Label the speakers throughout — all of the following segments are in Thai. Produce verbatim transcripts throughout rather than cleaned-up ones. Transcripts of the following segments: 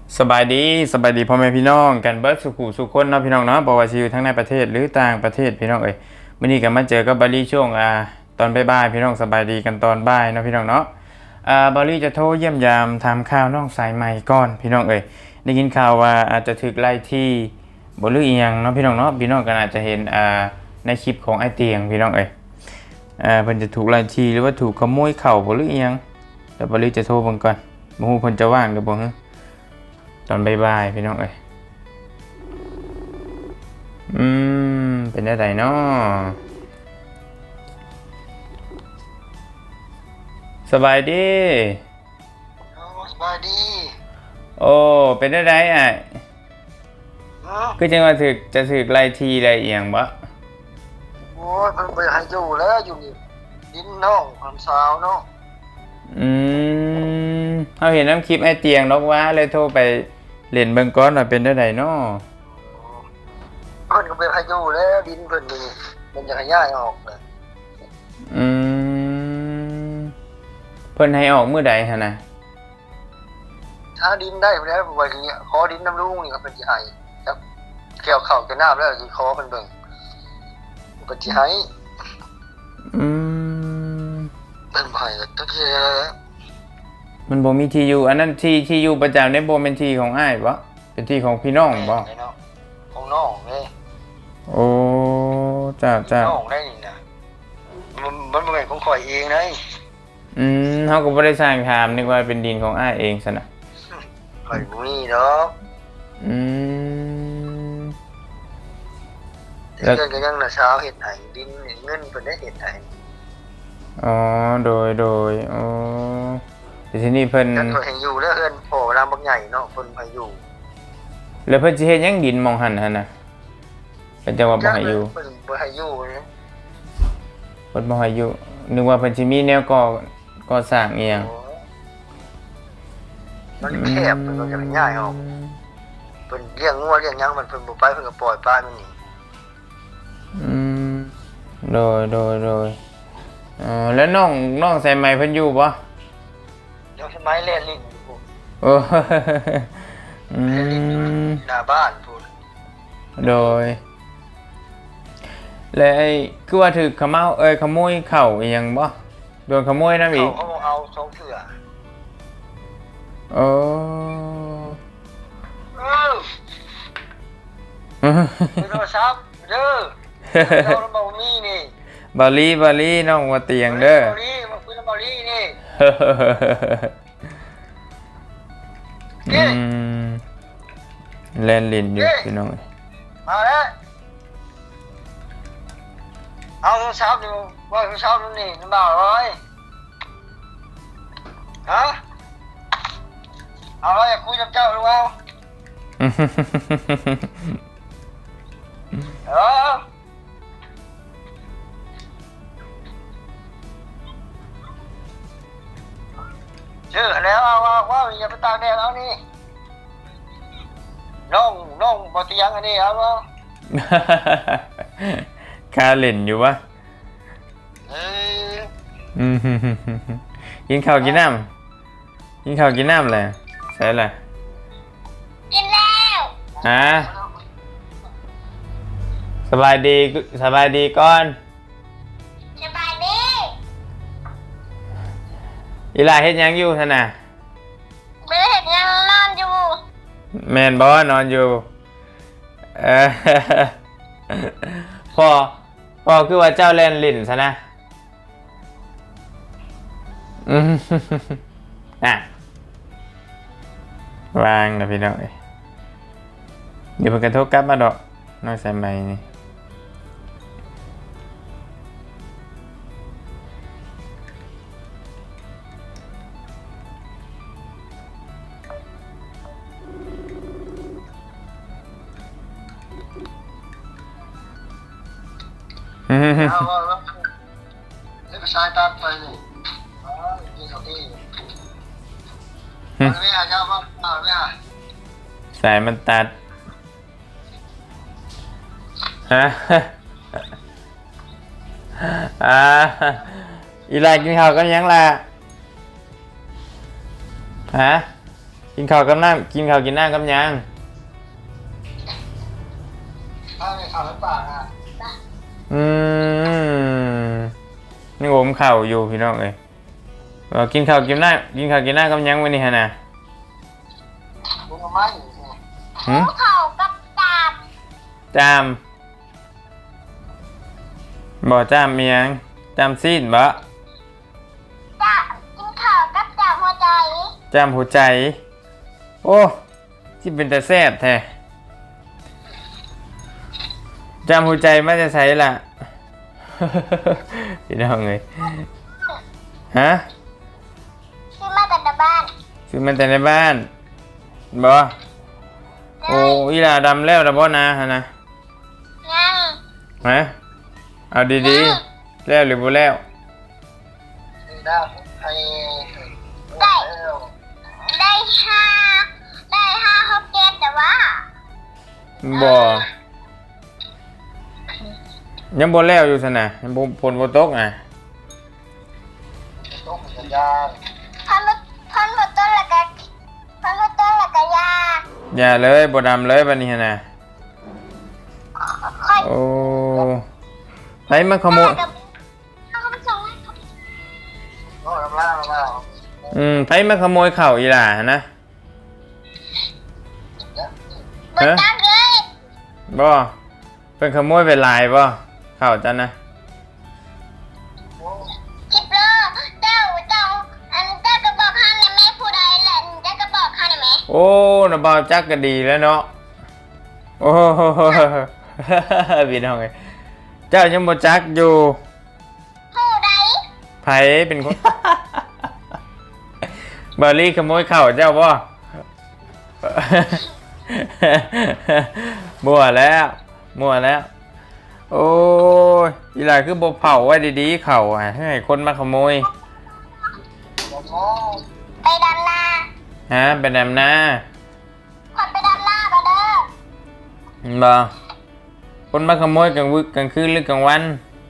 Speaker 1: สบายดีสบายดีพ่อแม่พี่น้องกันเบิร์ดสุขุสุขคนเนาะพี่น้องเนาะบอกว่าชีวิตทั้งในประเทศหรือต่างประเทศพี่น้องเอ้ยวันนี้กันมาเจอกับบารี่ช่วงอ่าตอนบ่ายๆพี่น้องสบายดีกันตอนบ่ายเนาะพี่น้องเนาะอ่าบารี่จะโทรเยี่ยมยามทำข่าวน้องสายใหม่ก่อนพี่น้องเอ้ยได้ยินข่าวว่าอาจจะถูกไล่ที่บ่ลืออีหยังเนาะพี่น้องเนาะพี่น้องก็อาจจะเห็นอ่าในคลิปของไอเตียงพี่น้องเอ้ยอ่าเพิ่นจะถูกไล่ที่หรือว่าถูกขโมยเข่าบ่ลืออีหยังเดี๋ยวบารี่จะโทรเบิ่งก่อนบ่ฮู้เพิ่นจะว่างหรือบ่ฮะตอนบ่ายๆพี่น้องเอ้ยอืมเป็นได้ไดเนาะสบายดี
Speaker 2: สบายดี
Speaker 1: โอ้เป็นได้ไดอ่ะคือจังว่าถึกจะถึกไล่ทีได้เอียงบ่
Speaker 2: โอ้ยมันไปให้อยู่แล้วอยู่นี่ดินน้องความสาวเนาะ
Speaker 1: อืมเฮาเห็นน้ำคลิปไอ้เตียงนกว่าเลยโทรไปเล่นเบิ่งก่อนว่าเป็นได้ไดเนาะ
Speaker 2: เพิ่นก็ไปให้อยู่แล้วดินเพิ่นนี่มันจะขยายออกเลย
Speaker 1: อืมเพิ่นให้ออกมื้อใดหั่นน่ะ
Speaker 2: ถ้าดินได้แล้วว่าสิขอดินน้ำลุงนี่ก็เป็นสิให้ครับเกี่ยวเข้าจะน้ำแล้วสิขอเพิ่นเบิ่งเพิ่นสิให้
Speaker 1: อืม
Speaker 2: เพิ่นให้ก็คือ
Speaker 1: มันบ่มีที่อยู่อันนั้นที่ที่อยู่ประจำในบ่แม่นที่ของอ้ายบ่เป็นที่ของพี่น้องบ่
Speaker 2: ของน้องเด้
Speaker 1: โอ้จ้าจ้า
Speaker 2: น้องได้นี่นะมันมันบ่แม่นของข่อยเองเด้
Speaker 1: อืมเฮาก็บ่ได้สร้างถามนึกว่าเป็นดินของอ้ายเองซั่นน่ะ
Speaker 2: ข่อยบ่มีดอก
Speaker 1: อืม
Speaker 2: แล้วก็ยังน่ะเช้าเฮ็ดให้ดินเงินเพิ่นได้เฮ็ดให้
Speaker 1: อ๋อโดยโดยอ๋อแต่ทีนี้เพิ่น
Speaker 2: นั่นเพิ่นให้อยู่แล้วเอิ้นพ่อเวลาบักใหญ่เนาะเพิ่นให้อยู่
Speaker 1: แล้วเพิ่นสิเฮ็ดหยังดินมองหั่นหั่นน่ะเพิ่นจะว่าบ่ให้อยู่
Speaker 2: เพิ่นบ่ให้อยู่นะ
Speaker 1: เพิ่นบ่ให้อยู่นึกว่าเพิ่นสิมีแนวก่อก่อสร้างอีหยัง
Speaker 2: มันแคบเพิ่นก็จะง่ายออกเพิ่นเลี้ยงงัวเลี้ยงหยังมันเพิ่นบ่ไปเพิ่นก็ปล่อยปลามันนี่
Speaker 1: อืมโดยโดยโดยอ๋อแล้วน้องน้องใส่ไม้เพิ่นอยู่บ่
Speaker 2: เดี๋ยวสมัยเล่นลิ้นอยู่
Speaker 1: โอ้อืม
Speaker 2: หน้าบ้านพุ่น
Speaker 1: โดยแล้วไอ้คือว่าถูกขโมยเอ้ยขโมยเข้าอีหยังบ่โดนขโมยนำอีก
Speaker 2: เขาเอาสองเทื่อ
Speaker 1: โอ้
Speaker 2: เออโทรศัพท์เด้อเราบ่มีนี่
Speaker 1: บาลีบาลีน้องว่าเตียงเด้อบ
Speaker 2: าลีมาคุยกับบาลีนี่
Speaker 1: อืมเล่นลิ้นอยู่พี่น้อง
Speaker 2: มาแล้วเอาโทรศัพท์ดูว่าโทรศัพท์นี่มันบ่าวร้อยฮะเอาอะไรอยากคุยกับเจ้าหรือเปล่าเออชื่อแล้วเอาว่าว่าอย่าไปตากแดดเอานี่น้องน้องบ่เตียงอันนี้เอาว่า
Speaker 1: คาเล่นอยู่วะ
Speaker 2: เออ
Speaker 1: อืมกินข้าวกินน้ำกินข้าวกินน้ำเลยใช่เลย
Speaker 3: กินแล้ว
Speaker 1: ฮะสบายดีสบายดีก่อน
Speaker 3: สบายดี
Speaker 1: อีหลาเฮ็ดยังอยู่ท่านน่ะ
Speaker 3: ไม่ได้เห็นยังนอนอยู่
Speaker 1: แมนบอนอนอยู่เออพ่อพ่อคือว่าเจ้าเล่นลิ้นซะนะอืมอ่ะวางนะพี่น้องเดี๋ยวเพิ่นกระทบกลับมาดอกน้อยใส่ไม้นี่
Speaker 2: เอาว่าแล้วนี่ก็ชายตัดไปนี่อ๋อกินข้าวที่เอาไม่เอาเจ้าว่าเอาไม่เอา
Speaker 1: สายมันตัดฮะอ่าอีไลกินข้าวกันยังล่ะฮะ กกินข้าวกับน้ำกินข้าวกินน้ำกับหยัง
Speaker 2: ถ้าไม่ข่าวแล้วปากอ่ะ
Speaker 1: อืมนี่ผมข้าวอยู่พี่น้องเอ้ยเออกินข้าวกินน้ำกินข้าวกินน้ำกับหยังวันนี้ฮะนะ
Speaker 2: มึงมาไม่อยู่
Speaker 1: หืม
Speaker 3: ภูเขากับดาบ
Speaker 1: จามบ่จามเมียงจามซีดบ่
Speaker 3: ดาบกินข้าวกับดาบหัวใจ
Speaker 1: จามหัวใจ โอ้ที่เป็นแต่แซ่บแท้จามหัวใจไม่จะใช้ล่ะ พี่น้องเอ้ยฮะ
Speaker 3: ซื้อมาแต่ในบ้าน
Speaker 1: ซื้อมันแต่ในบ้านบ่โอ้อีหลาดำแล้วดำบ่นะฮะนะ
Speaker 3: ยัง
Speaker 1: ฮะเอาดีๆแล้วหรือบ่แล้ว
Speaker 2: ได้ให้
Speaker 3: ได้ห้าได้ห้าหกเจ็ดแต่ว่า
Speaker 1: บ่ยังบ่แล้วอยู่ซั่นน่ะยังบ่ฝนบ่ตกอ่ะ
Speaker 2: ต้องสัญญาณ
Speaker 3: พันรถพันรถต้นละกันพันรถต้นละกันยา
Speaker 1: อย่าเลยบ่ดำเลยบัดนี้หั่นน่ะ
Speaker 3: ค่อย
Speaker 1: โอ้ไผมาขโมย
Speaker 3: เอาเขาไปส่งให้เขา
Speaker 2: ก็ทำล่ามา
Speaker 1: อืมไผมาขโมยข้าวอีหล่าหั่นนะ
Speaker 3: บนตักเลย
Speaker 1: บ่เพิ่นขโมยไปหลายบ่ข้าวจันนะ
Speaker 3: คิดโลเจ้าเจ้าอันเจ้ากระบอกข้างในแม่ผู้ใดแหละเจ้ากระบอกข้างในแม่
Speaker 1: โอ้น่ะบ่าวจักก็ดีแล้วเนาะโอ้โห พี่น้องเอ้ยเจ้ายังบ่จักอยู่
Speaker 3: ผู้ใด
Speaker 1: ไผเป็นคน บารี่ขโมยข้าวเจ้าบ่ มั่วแล้วมั่วแล้ว โอ้ยอีหลายคือบ่เผาไว้ดีๆข้าวอ่ะให้คนมาขโมย
Speaker 3: ไปดำนา
Speaker 1: ฮะเป็นแอมนา
Speaker 3: คนไปดำนาก็เด้อ
Speaker 1: บ่คนมาขโมยกลางวึกกลางคืนหรือกลางวัน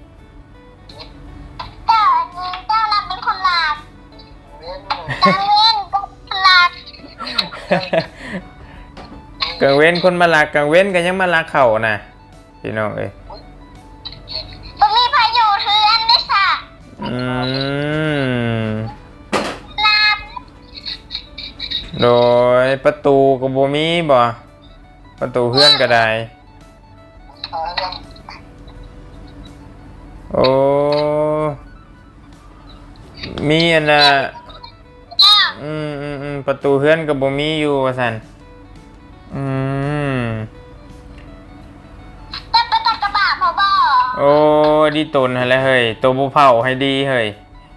Speaker 3: เจ้าอันนี้เจ้ารับเป็นคนหลักกลางเว้นก็คนหลัก
Speaker 1: กลางเว้นคนมาลักกลางเว้นก็ยังมาลักเข่าน่ะพี่น้องเอ้ย
Speaker 3: บ่มีพายุเทือนด้วยค่ะ
Speaker 1: อืม
Speaker 3: ลับ
Speaker 1: โดยประตูก็บ่มีบ่ประตูเฮือนก็ได้โอ้มีอันน่ะ
Speaker 3: แล้ว
Speaker 1: อืมอืมอืมประตูเฮือนก็บ่มีอยู่ว่าซั่นอืม
Speaker 3: จะไปตักกระบะพอบ่
Speaker 1: โอ้ดีตนหั่นแหละเฮ้ยตัวบ่เผาให้ดีเฮ้ย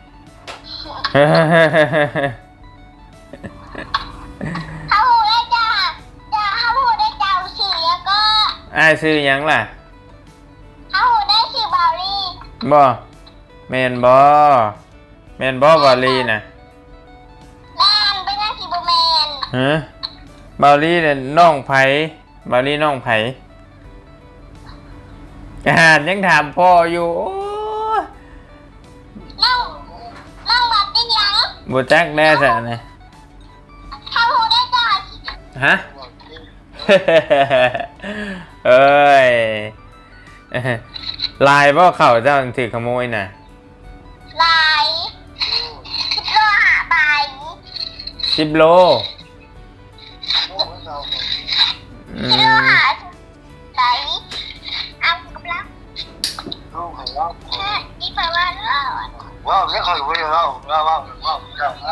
Speaker 3: เขาหูได้จ้าจ้าเขาหูได้เจ้าสีแล้วก็
Speaker 1: อ้ายซื้อหยังล่ะ
Speaker 3: เขาหูได้สีบาลี
Speaker 1: บ่แม่นบ่แม่นบ่บาลีน่ะ
Speaker 3: แมนเป็นยังสีบูแมน
Speaker 1: ฮะบาลีเนี่ยน้องไผบาลีน้องไผอ่านยังถามพ่ออยู่โอ้ย
Speaker 3: นั่งนั่งบัดได้ยัง
Speaker 1: บ่จักแน่ซะนะ
Speaker 3: เขาหูได้จ้า
Speaker 1: ฮะ เอ้ยลายบ่เข้าเจ้าถือขโมยน่ะ
Speaker 3: ลายคิดโลหาใบ
Speaker 1: สิบโลอื
Speaker 3: คิดโล
Speaker 1: ม
Speaker 3: หาใบเอากำลัง
Speaker 2: ลูกของเรา
Speaker 3: แค่อีแปลว่าเล่า
Speaker 2: ว้าวไม่เคยรู้เลยเราเราว้าวว้าวเราเรา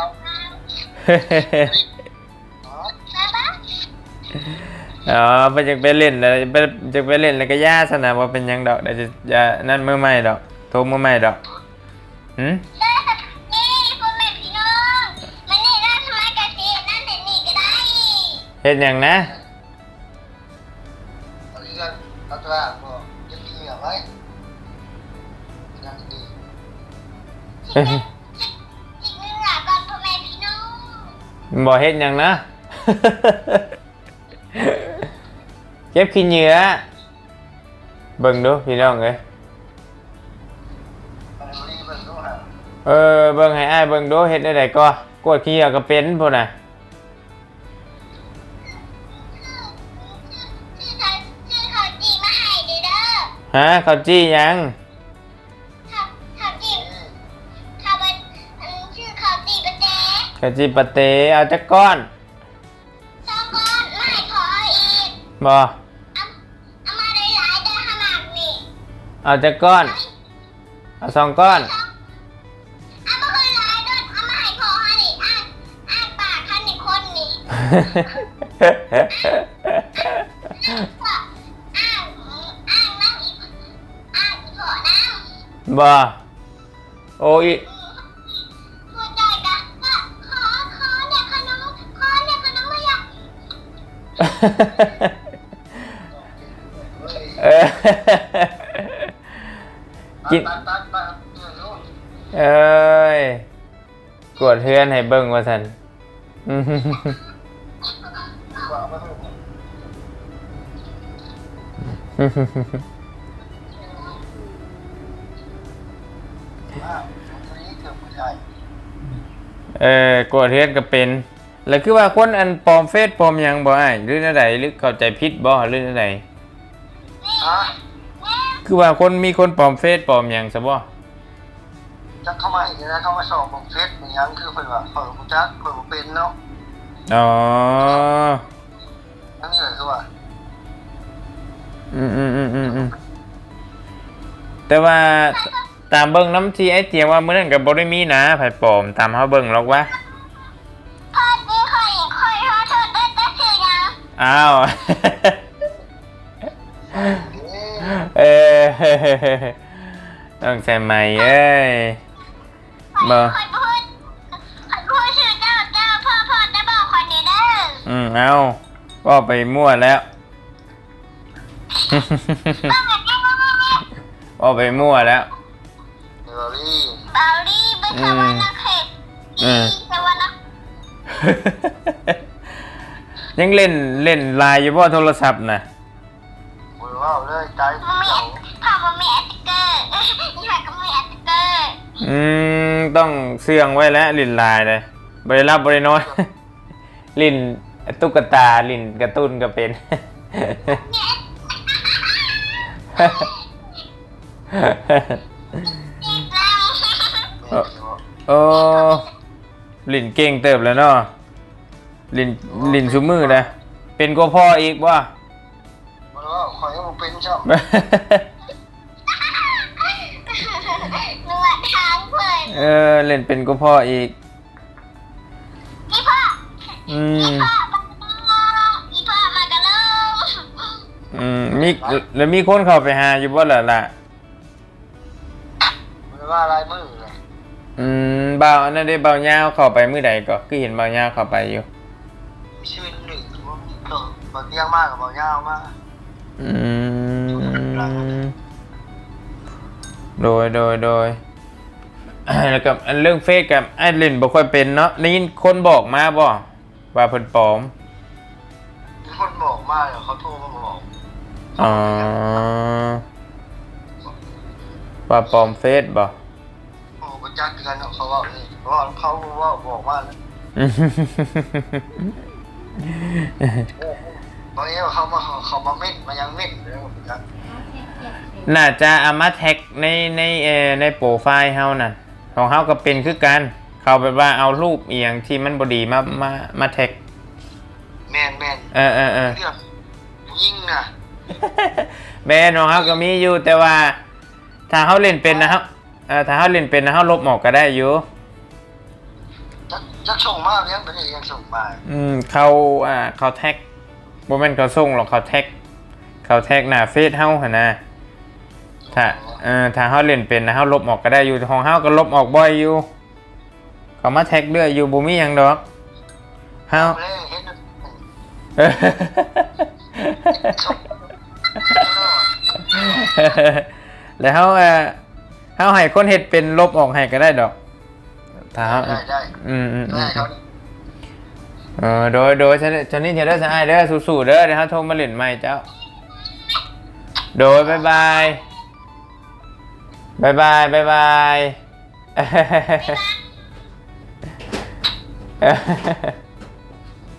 Speaker 3: ใช่ปะ
Speaker 1: อ๋อไปจะไปเล่นแล้วไปจะไปเล่นแล้วก็ย่าสนะว่าเป็นหยังดอกเดี๋ยวจะจะนั่นมือใหม่ดอกโทรมือใหม่ดอกหืม
Speaker 3: นี่พ่อแม่พี่น้องมันนี่น่าทำไมกะทินั่นแต่นี่ก็ได้
Speaker 1: เฮ็ดหยังนะ
Speaker 2: ตอนนี้ก็เราจะว่าจะดีหรือไม่ยังดี
Speaker 3: อีกหนึ่งหลักก่อนพ่อแม่พี่น้อง
Speaker 1: บ่เฮ็ดหยังนะ เก็บขี้เหงื่อเบิ่งดูพี่น้องเอ้ย
Speaker 2: มันรีบมันรู้ฮะ
Speaker 1: เออเบิ่งให้อ้ายเบิ่งดูเฮ็ดได้ไดก็กวดขี้เหงื่อก็เป็นพุ่นน่ะฮะข้าวจี้ยัง
Speaker 3: ข้าวข้าวจีบข้าวมันอันชื่อข้าวจีบะเจ๊
Speaker 1: ข้าวจี้ปะเตเอาจักก้อน
Speaker 3: สองก้อนไม่ขออีก
Speaker 1: บ่
Speaker 3: เอาเอามาได้หลายได้ขนาดนี้
Speaker 1: เอาจักก้อนเอาสองก้อน
Speaker 3: เอามาเลยหลายด้วยเอามาให้พอให้ดิอ่านอ่านปากท่านในคนนี่อ่านอ่านนั่งอีกอ่านขอน้ำ
Speaker 1: บ่โอ้ย
Speaker 3: หัวใจกะว่าขอขอเนี่ยขนมขอเนี่ยขนมไม่อยาก
Speaker 1: เออกิน
Speaker 2: ตัดตัดตัดเออลูก
Speaker 1: เอ้ยกวดเฮือนให้เบิ่งว่าซั่น อื้อหือ
Speaker 2: ว่าไม่ถูก ว่าอันนี้เกือบไม่ได้
Speaker 1: เออกวดเฮือนก็เป็น แล้วคือว่าคนอันปลอมเฟซปลอมหยังบ่อ้ายหรือแนวใดหรือเข้าใจผิดบ่หรือแนวใด
Speaker 2: ฮะ
Speaker 1: คือว่าคนมีคนปลอมเฟซปลอมหยังซะบ่
Speaker 2: จะเข้ามาอีกนะเข้ามาสอบของเฟซเหมือนยังคือเพิ่นว่าเปิดกูจักเปิดกูเป็นเนาะ
Speaker 1: อ๋อ
Speaker 2: นั่นเลยคือว่า
Speaker 1: อืมอืมอืมอืมอืมแต่ว่าตามเบิ่งน้ำที่ไอ้เตียงว่ามื้อนั้นก็บ่ได้มีนะไผปลอมตามเฮาเบิ่งหรอกวะ
Speaker 3: พอดีคอยคอยรอเธอได้แต่ชื่อยัง
Speaker 1: อ้าว
Speaker 2: เอ๊ะ
Speaker 1: เออต้องใส่ใหม่เอ้ย
Speaker 3: ค
Speaker 1: บ่
Speaker 3: อยพูดคอยพูดชื่อเจ้าเจ้าพ่อพ่อจะบอกคนนี้เด้อ
Speaker 1: อืมเอาก็ไปมั่วแล้ว
Speaker 3: ต้องแบบนี้ว่าว่าว่า
Speaker 1: ก็ไปมั่วแล้ว
Speaker 2: เดอรี่
Speaker 3: เบาลี่เป็นคำว่านักเขต
Speaker 1: อืม
Speaker 3: แต่ว่านัก
Speaker 1: ยังเล่นเล่นไลน์อยู่บ่โทรศัพท์น่ะ
Speaker 2: มือว่าเลยใจ
Speaker 3: มันมี
Speaker 2: เจ้า
Speaker 3: พ่อมันมีแอตติเกอร์ยี่ห้อก็มีแอตติเกอร์
Speaker 1: อืมต้องเสื่องไว้แล้วเล่นไลน์เลยบ่ได้รับบ่ได้นอน ลิ้นตุ๊กตาลิ้นการ์ตูนก็เป็น
Speaker 3: อีกแล้ว
Speaker 2: แม่เนาะ
Speaker 1: โอ้ลิ้นเก่งเติบแล้วเนาะลิ้นลิ้นซุมือนะเป็นก็พ่ออีกว่า
Speaker 2: มันว่าข่อยยังบ่เป็นชอบ
Speaker 3: นวดทางเพื่อน
Speaker 1: เออเล่นเป็นก็พ่ออีก
Speaker 3: อีพ่อ
Speaker 1: อื
Speaker 3: อี
Speaker 1: ม
Speaker 3: พ่อมาอีพ่อมากระโลง
Speaker 1: อืมมีแล้วมีคนเข้าไปหาอยู่บ่ล่ะล่ะ
Speaker 2: มันว่าลายมือเลย
Speaker 1: อืมบ่าวอันนั้นได้บ่าวยาวเข้าไปมื้อใดก็คือเห็นบ่าวยาวเข้าไปอยู่
Speaker 2: มีชื่อหนึ่งว่ามีเกิดบ่เตียงมากกับบ่ยาวมาก
Speaker 1: อืมโดยโดยโดย แล้วกับอันเรื่องเฟซกับไอ้เล่นบ่ค่อยเป็นเนาะได้ยินคนบอกมาบ่ว่าเพิ่นปลอม
Speaker 2: มีคนบอกมาเดี๋ยวเขาโทรมาบอก
Speaker 1: อ๋อว่าปลอมเฟซบ่
Speaker 2: โอ้บ่จักกันเนาะเขาว่านี่เพราะว่าเขาว่าบอกมาแล้วบางทีเขามาเขามาเม่นมายังเม่นเลยบ่จัก
Speaker 1: น่าจะเอามาแท็กในในเอ่อในโปรไฟล์เฮานั่นของเฮาก็เป็นคือกันเขาแบบว่าเอารูปเอียงที่มันบ่ดีมามามาแท็ก
Speaker 2: แม่นแม่น
Speaker 1: เออเออเออ
Speaker 2: เรื่องผู้หญิงน่ะ
Speaker 1: แบรนด์ของเฮาก็มีอยู่แต่ว่า ถ้าเฮาเล่นเป็นนะครับเอ่อถ้าเฮาเล่นเป็นนะเฮาลบออกก็ได้อยู่
Speaker 2: จักจักส่งมาเพียงเป็นยังส่งมา
Speaker 1: อืมเขาอ่าเขาแท็กบ่แม่นเขาส่งหรอกเขาแท็กเขาแท็กหน้าเฟซเฮาหั่นน่ะถ้าเอ่อถ้าเฮาเล่นเป็นนะเฮาลบออกก็ได้อยู่ของเฮาก็ลบออกบ่อยอยู่เขามาแท็กเรื่อยอยู่บ่มีหยังดอกเฮา
Speaker 2: เลยเฮ็ด
Speaker 1: เออ
Speaker 2: ส่งตลอด
Speaker 1: แล้วเฮาเอ่อเฮาให้คนเฮ็ดเป็นลบออกให้ก็ได้ดอกถ้าเฮา
Speaker 2: ได้ได้
Speaker 1: อืมอืมอื
Speaker 2: ได้
Speaker 1: ม
Speaker 2: เขา
Speaker 1: เออโดยโดยฉันฉันนี่เธอได้สายเด้อสู้ๆเด้อเดี๋ยวเขาโทรมาเล่นใหม่เจ้าโดยบายบายบายบายบายบาย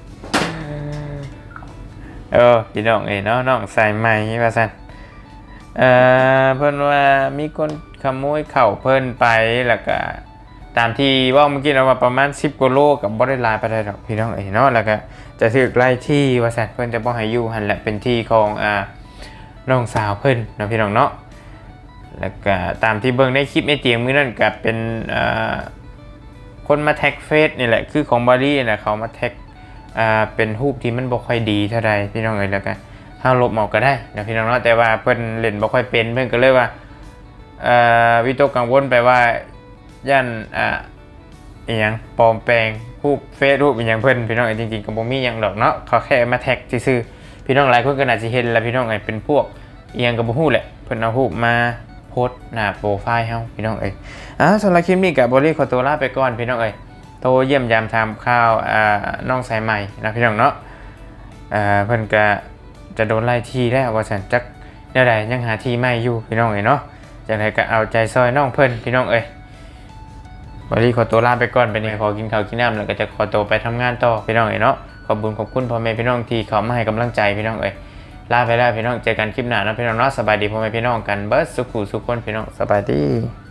Speaker 1: เออพี่น้องเอ๋เนาะน้องใส่ใหม่ว่าซั่นเอ่อเพิ่นว่ามีคนขโมยเข้าเพิ่นไปแล้วก็ตามที่เว่าเมื่อกี้เราว่าประมาณสิบกว่าโลกับบ่ได้หลายปานใดดอกพี่น้องเอ้ยเนาะแล้วก็จะถูกไล่ที่ว่าซั่นเพิ่นจะบ่ให้อยู่หั่นแหละเป็นที่ของอ่าน้องสาวเพิ่นเนาะพี่น้องเนาะแล้วก็ตามที่เบิ่งในคลิปในเตียงมื้อนั้นก็เป็นอ่าคนมาแท็กเฟซนี่แหละคือของบารี่น่ะเขามาแท็กอ่าเป็นรูปที่มันบ่ค่อยดีเท่าใดพี่น้องเอ้ยแล้วก็เฮาลบออกก็ได้นะพี่น้องเนาะแต่ว่าเพิ่นเล่นบ่ค่อยเป็นเพิ่นก็เลยว่าเอ่อวิตกกังวลไปว่าย่านอ่าอีหยังปลอมแปลงรูปเฟซรูปอีหยังเพิ่นพี่น้องเอ้ยจริงๆก็บ่มีหยังดอกเนาะเขาแค่มาแท็กซื่อๆพี่น้องหลายคนก็น่าสิเห็นแล้วพี่น้องเอ้ยเป็นพวกอีหยังก็บ่ฮู้แหละเพิ่นเอารูปมาโพสต์หน้าโปรไฟล์เฮาพี่น้องเอ้ยอ่าสำหรับคลิปนี้ก็บ่รีขอตัวลาไปก่อนพี่น้องเอ้ยโทรเยี่ยมยามทำข่าวอ่าน้องสายใหม่นะพี่น้องเนาะอ่าเพิ่นก็จะโดนไล่ที่แล้วว่าซั่นจักแนวใดยังหาที่ใหม่อยู่พี่น้องเอ้ยเนาะจังไดก็เอาใจซอยน้องเพิ่นพี่น้องเอ้ยบ่รีขอตัวลาไปก่อนไปนี่ขอกินข้าวกินน้ำแล้วก็จะขอตัวไปทำงานต่อพี่น้องเอ้ยเนาะขอบคุณขอบคุณพ่อแม่พี่น้องที่เข้ามาให้กำลังใจพี่น้องเอ้ยลาไปแล้วพี่น้องเจอกันคลิปหน้านะพี่น้องเนาะสบายดีพ่อแม่พี่น้องกันเบิดสุขุสุขคนพี่น้องสบายดี